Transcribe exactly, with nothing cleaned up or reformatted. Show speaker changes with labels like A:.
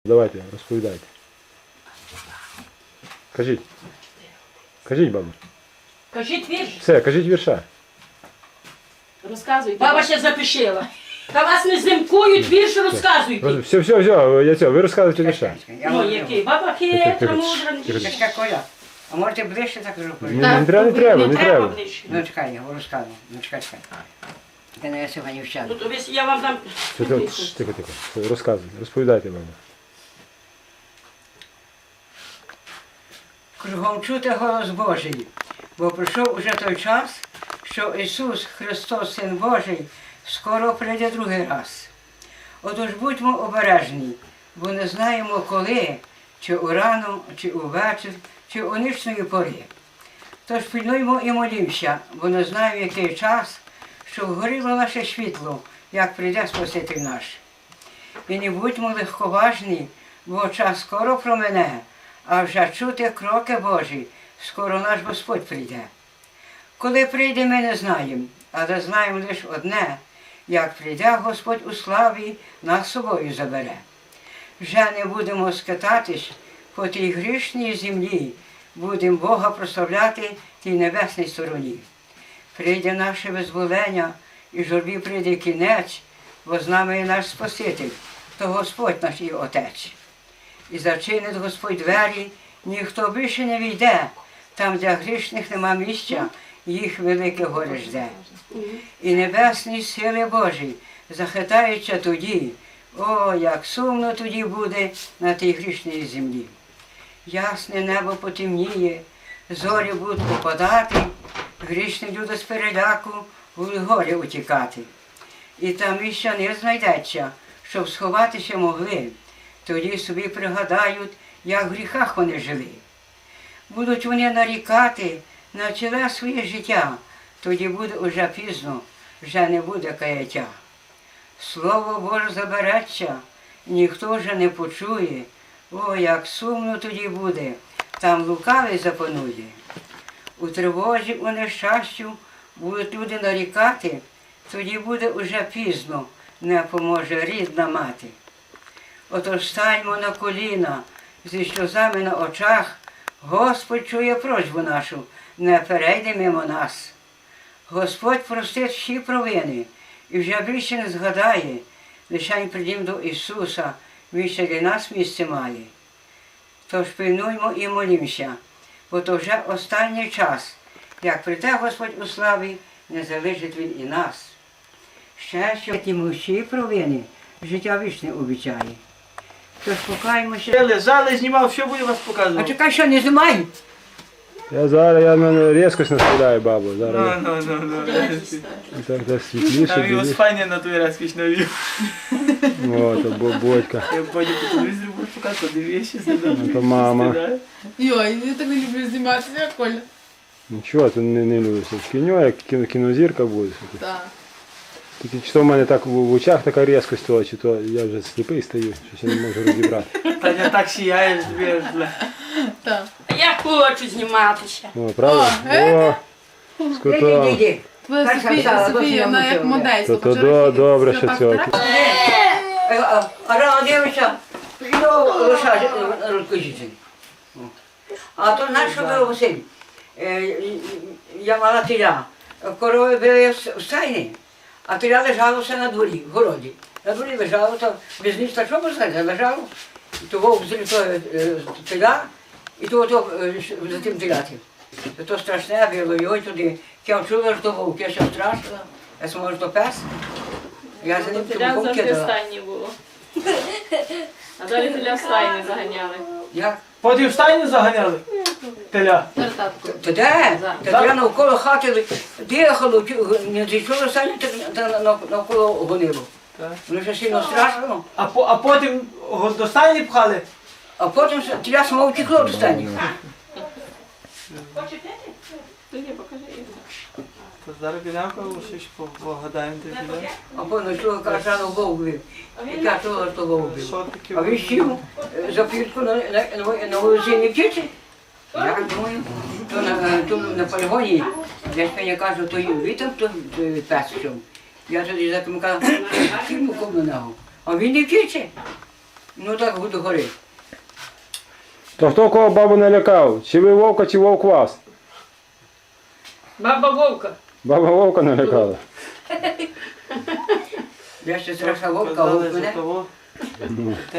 A: Давайте, розповідайте. Кажіть. Кажіть, бабу.
B: Кажіть вірш.
A: Все, кажіть вірша.
B: Розказуйте. Баба ще запишила. Та вас не зимкують, вірш розказуйте.
A: Все, все, все, я цього, ви розказуєте вірша.
B: Ну, який? Баба хитра, мудра.
C: Чекай, Коля, а можете ближче так кажу?
A: Ні, не треба, не треба, не треба.
B: ближче.
C: Ну чекай, я розказую. Ну чекай, чекай. Ти не сьогодні вчала.
B: Ну, то ви- я вам дам...
A: Все, тихо, тихо, тихо. Розказуйте, розповідайте, бабу.
C: Кругом чути голос Божий, бо прийшов уже той час, що Ісус Христос, Син Божий, скоро прийде другий раз. Отож будьмо обережні, бо не знаємо коли, чи урано, чи увечір, чи у нічної пори. Тож пильнуймо і молімося, бо не знаємо, який час, щоб горіло наше світло, як прийде Спаситель наш. І не будьмо легковажні, бо час скоро промине, а вже чути кроки Божі, скоро наш Господь прийде. Коли прийде, ми не знаємо, але знаємо лише одне, як прийде Господь у славі, нас з собою забере. Вже не будемо скитатись по тій грішній землі, будемо Бога прославляти тій небесній стороні. Прийде наше визволення, і журбі прийде кінець, бо з нами є наш Спаситель, то Господь наш і Отець. І зачинить Господь двері, ніхто більше не війде, там, де грішних нема місця, їх велике горе жде. І небесні сили Божі захитаються тоді, о, як сумно тоді буде на тій грішній землі. Ясне небо потемніє, зорі будуть опадати, грішні люди з переляку будуть горі утікати. І там місця не знайдеться, щоб сховатися могли. Тоді собі пригадають, як в гріхах вони жили. Будуть вони нарікати на ціле своє життя, тоді буде уже пізно, вже не буде каяття. Слово Боже забереться, ніхто вже не почує, о, як сумно тоді буде, там лукавий запанує. У тривозі, у нещастю будуть люди нарікати, тоді буде уже пізно, не поможе рідна мати. Отож станьмо на коліна, зі сльозами на очах, Господь чує просьбу нашу, не перейде мимо нас. Господь простить всі провини і вже більше не згадає, лишень прийдім до Ісуса, Він ще для нас місце має. Тож пильнуймо і молімося, бо то вже останній час, як прийде Господь у славі, не залишить Він і нас. Ще що йому всі провини, життя вічне обіцяє. Тож покаємося.
D: Я лежали, знімав, що буде вас
C: А
D: показувати?
C: чекай, що не знімай?
A: Я зараз, я на різкость наставляю, бабу.
D: Ну,
A: Зараз
D: ну, ну, ну.
A: я так, так світліше,
D: Там його
A: біліше.
D: спальня на той раз кіч навів.
A: О, то Бодька.
D: Я потім по телевізору буду показувати, дивишся,
A: Ну, то мама.
E: Йой, я так не люблю зніматися, Коля.
A: Нічого, ти не, не любиш. В кіно, як кіно, кінозірка буде.
E: Так.
A: Тільки чи то в мене так в, в очах така різкость, то, чи то я вже сліпий стою, щось я не можу розібрати.
D: Та я так сіяєш, б'єш, бля.
E: Так.
B: Я хочу зніматися.
A: О, правда?
E: О, е?
A: О, з
C: Іди,
A: кутом.
C: іди.
E: Твоя
C: Перша
E: Софія,
C: встала,
E: Софія,
C: потім
E: вона
C: я
E: як
C: мовчала.
E: модельська.
A: То- то до- добре, що цього.
C: А, а, а рано дивишся, що лише розкажіть. А то знаєш, що було, Василь? Е, Я мала теля. Корови були в стайні, а теля лежало все на дворі, в городі. На дворі лежало, то без ніч так що сказати, лежало. І то вовк злітає теля, і то, то е, за тим телятим. То страшне було, і ой туди. Я чула, що вовк, я ще страшила. Я смотрю, то пес. Я за ним
B: Теля
C: трубку
B: завжди в
C: кидала.
B: стайні було. А далі теля в стайні заганяли.
C: Як?
D: Потім в стайні заганяли? Теля.
C: Та де? Та я навколо хати дихало, чу- не зійшло самі, та нав- навколо гонило.
D: Так.
C: Воно ще сильно страшно.
D: А, по, а потім го- до стайні пхали?
C: А потім тіля само втекло до стані.
B: Хочете? Тоді покажи.
D: То зараз підемо, щось погадаємо, де підемо.
C: А потім йшло, каже, рано вовк бив. І каже, що то вовк бив.
D: Що таке?
C: А він сів е, за пірку на, на, на, на вулиці не вчиться. Я думаю, то на, то на полігоні, дядька я кажу, то він там то пес що. Я тоді за ким кажу, кину кому ногу. А він не вчиться. Ну так до гори.
A: То хто кого бабу налякав? Чи ви вовка, чи вовк вас?
B: Баба Вовка.
A: Баба вовка налякала.
C: Я ще страшна вовка,
D: Казали
C: вовк
D: за
C: мене.
D: того.